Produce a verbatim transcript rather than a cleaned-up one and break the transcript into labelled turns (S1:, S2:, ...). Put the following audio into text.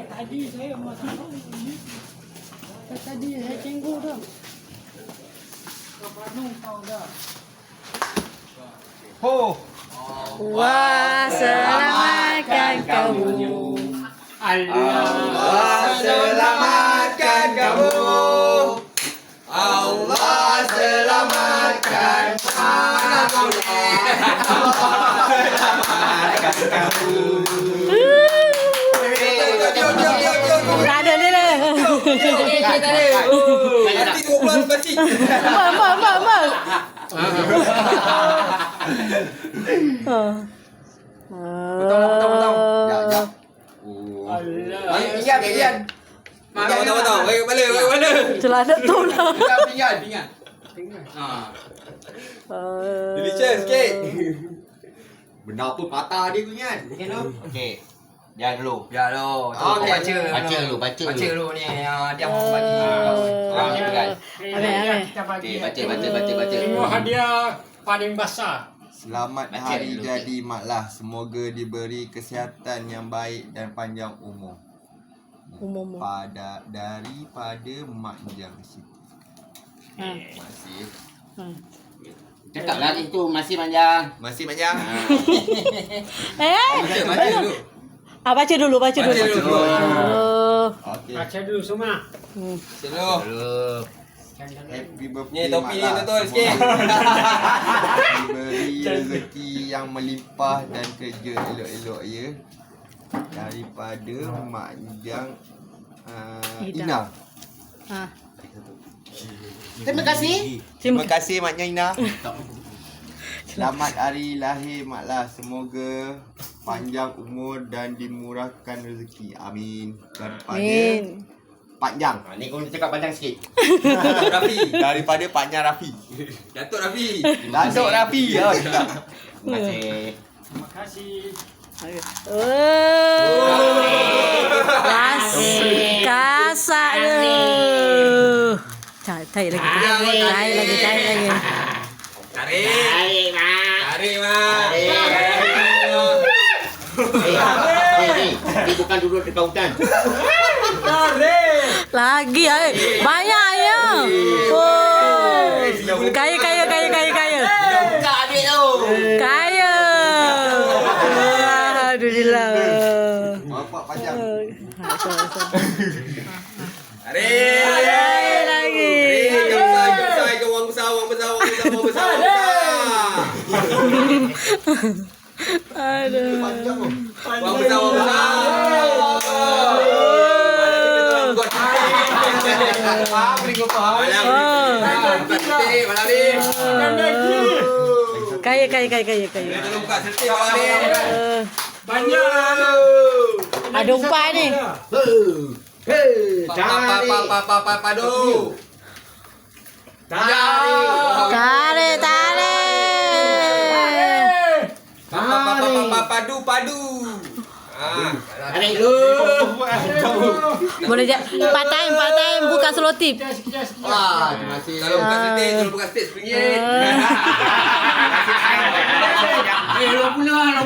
S1: Tadi saya masak ini. Tadi saya tengok dah. Kapanu kau dah.
S2: Ho.
S3: Wah, selamatkan kamu.
S2: Allah selamatkan kamu. Allah selamatkan kamu.
S3: Tak ada ni lah.
S2: Tak ada. Nanti dua bulan nanti.
S3: Mak, mak, mak, mak.
S2: Betul, betul, betul. Ya, ya.
S1: Allah.
S2: Pinggan, pinggan. Betul, betul, betul. Bagi kepala, bagi kepala.
S3: Celana tu lah.
S2: Pinggan, pinggan, pinggan. Ha. Delicious sikit. Benda apa patah dia tu kan?
S4: Okey. Jangan dulu.
S2: Ya lo.
S4: Okey,
S2: baca.
S4: baca dulu, baca dulu.
S2: Baca dulu ni. Ah, dia mau bagi.
S4: Ah, kan.
S3: Ambil, ambil.
S1: Kita bagi.
S4: Okey, baca, baca, baca, baca.
S1: Ini hadiah paling besar.
S5: Selamat
S4: Baca
S5: hari
S4: dulu,
S5: jadi maklah. Semoga diberi kesihatan yang baik dan panjang umur.
S3: Umum.
S5: Pada daripada Mak Jang Siti.
S3: Ha.
S5: Masih.
S3: Ha.
S4: Cakap lagi tu masih panjang.
S5: Masih Mak Jang.
S3: Eh,
S2: Baca, baca dulu.
S3: ah, baca dulu, baca dulu.
S2: Baca dulu.
S3: Oh.
S5: Okey.
S1: Baca dulu semua.
S3: Hmm.
S2: Baca dulu.
S4: Dulu.
S5: Happy birthday
S2: Ni topi ni
S5: Mak Lah.
S2: betul sikit.
S5: Diberi rezeki yang melimpah dan kerja elok-elok ya. Daripada Mak Jang uh,
S3: Ida.
S5: Ina.
S3: Ha.
S4: Terima kasih.
S5: Terima kasih Mak Jang Ina. Selamat hari lahir Mak Lah. Semoga panjang umur dan dimurahkan rezeki. Amin. Daripada
S3: Amin.
S5: Pak Jang.
S4: Ha, ni kau cakap panjang sikit.
S2: Datuk Rafi.
S5: Daripada Pak Jang Rafi.
S2: Datuk Rafi.
S5: Datuk Rafi. Ya.
S4: Terima kasih.
S1: Terima kasih.
S3: Oh. Kas, kasak tu. Cari, cari lagi. Cari lagi, cari lagi.
S2: Tarik.
S4: Tarik, Mak.
S2: Tarik, Mak.
S4: Eh, ni, ni bukan duduk dekat hutan.
S3: Lagi, ay. Banyak ya. Oh. Kaya, kaya, kaya, kaya, kaya.
S4: Buka adik tu.
S3: Kaya. Alhamdulillah.
S5: Bapak Pak Jang.
S2: Tarik.
S3: Tarik lagi.
S2: Tarik. Jom besar, jom besar. Jom wang besar, wang besar, wang besar, wang besar, wang besar.
S3: Aduh.
S2: Wang besar, wang besar. Faham ni kau faham? Malam buka sertik malam ni.
S3: Kaya, kaya, kaya, kaya, kaya.
S2: Tolong buka sertik malam ni.
S3: Uh,
S1: Banyak.
S3: ada umpan ni.
S4: Hei,
S2: Pa pa pa pa pa pa padu.
S4: tarik.
S3: Tarik, tarik.
S2: Pa pa pa pa pa padu padu. Ah,
S4: Tarik dulu.
S3: Boleh je. Part time, part time. Buka selotip.
S1: Sekian, sekian, sekian.
S4: Wah, terima kasih.
S2: tolong buka sertik, tolong buka sertik sepinggit.
S3: Uh,
S4: Eh, lu pula.